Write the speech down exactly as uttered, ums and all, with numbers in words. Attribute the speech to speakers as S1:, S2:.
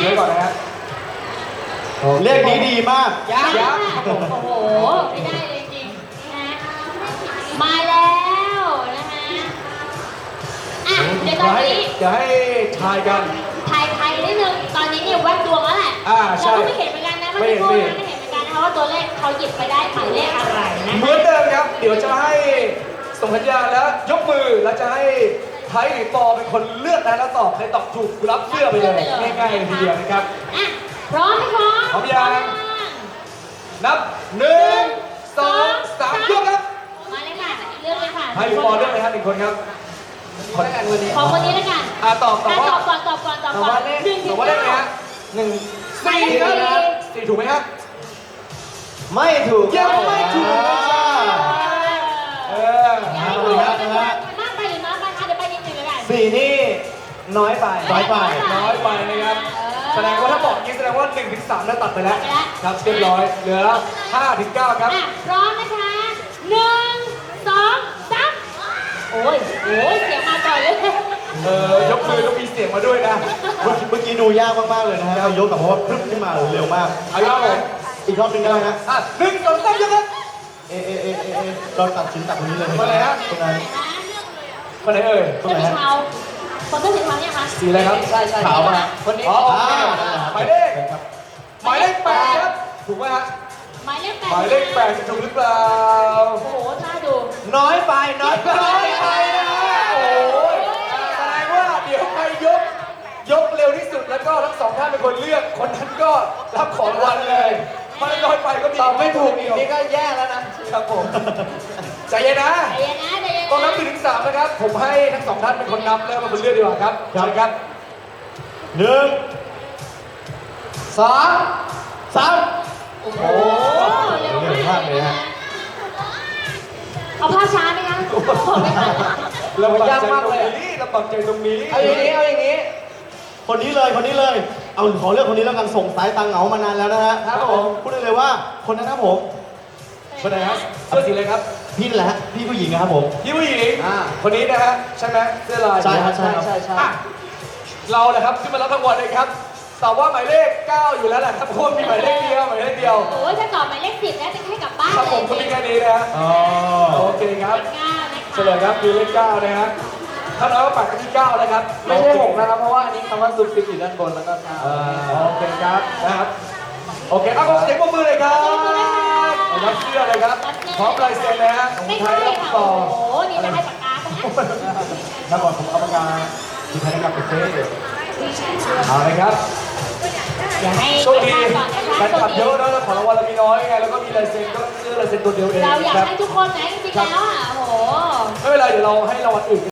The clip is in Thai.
S1: ไว้ก่อนนะฮะ
S2: เรียกดีดีมาก
S3: ยักษ์ยักษ์โอ้โหไม่ได้เลยจริงนะมาแล้วนะคะอ่ะเดี๋ยวตอนนี้
S1: เดี๋ยวให้ทายกัน
S3: ทายไทยนิดนึงตอนนี้เนี่ยวัดดวงแล้วแหละเราก็ไม่เห็นเหมือนกันนะไม่พูดนะไม่เห็นเหมือนกันนะคะว่าตัวเลขเขาหยิบไปได้หมายเลขอะไรนะ
S1: เหมือนเดิมครับเดี๋ยวจะให้ส่งสัญญาณแล้วยกมือแล้วจะให้ไทยหรือปอเป็นคนเลือกนะแล้วตอบใครตอบถูกรับเสื้อไปเลยง่ายๆทีเดียวนะครับ
S3: อ่ะพร้อมไหมพร้อม
S1: พร้อมยังนับหนึ่งสองสามยกครับ
S3: มาเลยค่ะเลือกเลยค่ะ
S1: ให้ปอเลือกเลยครับหนึ่งคนครับคนแรกวันนี้
S3: ขอคนนี้แล้วกัน
S1: อ่าตอบตอบว่า
S3: ตอบก่อนตอบก่อนตอบก่อน
S1: หนึ่งตอบว่าได้ไหมฮะหนึ่งสี่นะครับสี่ถูกไหมครับ
S2: ไม่ถูก
S1: ยังไม่ถูกเออ
S3: ยังไม่ถูกนะมากไปหรือน้อยไปคะเดี๋ยวไปนิดนึงแล้วกัน
S2: สี่นี่น้อยไป
S1: น้อยไปน้อยไปนะครับแสดงว่าถ้าบอกนี้แสดงว่าหนึ่งถึงสามแล้วตัดไปแล้วครับเรียบร้อยเหลือห้าถึงเก้าครับ
S3: พร้อมนะคะหนึ่งสองสามโอ้ยโอ้ยเสียงมาก่อนเลย
S1: เออยกมือต้องมีเสียงมาด้วยนะ
S2: เมื่อกี้ดูยากมากๆเลยนะฮะเอายกกับเพราะว่าพรึบขึ้นมาเร็วมาก
S1: เอายกผม
S2: อีกรอบหนึ่งได้นะ
S1: อ่ะหนึ่งสองสามยกครับ
S2: เอเอเอเอเอเราตัดชิ้นตัดตรงนี้เลย
S1: คนไหนฮะ
S2: คนไหน
S1: คนไหนเอ่ย
S3: คนไหนฮะคนเสื้อสีเทาเนี่ยคะ
S1: สีอะไรครับ
S2: ใช่ใช่
S1: ขาวนะคนนี้อ๋อโอเคหมายเลขหมายเลขแปดครับถูกไหมฮะ
S3: หมายเลขแปด
S1: หมายเลขแปดจะถูกหรือเปล่า
S3: โอ้โหน่าดู
S2: น้อยไปน้อยไป
S1: น้อยไปนะโอ้ยแสดงว่าเดี๋ยวใครยกยกเร็วที่สุดแล้วก็ทั้งสองท่านเป็นคนเลือกคนนั้นก็รับของรางวัลเลยมันน้อยไปก็มี
S2: ตอบไม่ถูกอีกนี่ก็แย่แล้วนะครับ
S1: ผมใจเย็นนะ
S3: ใจเย็นนะใจเย็น
S1: ตอนนับถึงสามนะครับผมให้ทั้งสองท่านเป็นคนนับแล้วมาเป็นเลือกดีกว่าครับใช่ครับ
S2: หนึ่งสามสาม
S3: โอ้โหเร็วมากเลยนะเอาภาพช้าไหมคะ
S1: เรายากมากเลยนี่เราปักใจตรงนี้
S2: เอาอย่างนี้เอาอย่างนี้คนนี้เลยคนนี้เลยเอาขอเลือกคนนี้แล้วกันส่งสายตังเหงามานานแล้วนะฮะ
S1: ครับผม
S2: พูดได้เลยว่าคนนั้นครับผม
S1: คนไหนครับเสื้อสีอะไรครับ
S2: พี่แหละพี่ผู้หญิงนะครับผม
S1: พี่ผู้หญิงคนนี้นะฮะใช่ไหมเสื้อลาย
S2: ใช่ครับใช่ใช่ใช่
S1: เราแหละครับขึ้นมารับรางวัลเลยครับตอบว่าหมายเลขเก้าอยู่แล้วแหละครับเพราะมีหมายเลขเดียวหมายเลขเดียว
S3: โอ้ยถ้าตอบหมายเลขสิบแล้วจะให้กลับบ้าน
S1: ครับผมก็มีแค่นี้นะฮะโอเคครับเฉลยครับคือเลขเก้านะฮะถ้าน้อยก็ปักที่เก้าแล้วครับ
S2: ไม่ใช่หกนะครับเพราะว่าอันนี้คำว่าซุปติดอยู่ด้านบนแล้วก็เก้า
S1: โอเคครับนะครับโอเคเอาเสียงปรบมือเลยครับรับเสื้อเลยครับพร้อมลายเซ็นนะฮะ
S3: ไม่ใช่ค่ะโอ้โหนี่จะให้ปากกาใช่ไหม
S1: ถ้าบอกผมเอาปากกาที่ใช้กับเป็นเซ่เอาเลยครับโชคดีแฟนคลับเยอะนะแล้วของรางวัลเรามีน้อยไงแล้วก็มีลายเซ็นก็เสื้อลายเซ็นตัวเดียวเอง
S3: เราอยากให้ทุกคนนะจริงๆแล้วอ่ะโอ้โห
S1: ไม่เป็นไรเดี๋ยวเราให้รางวัลอื่น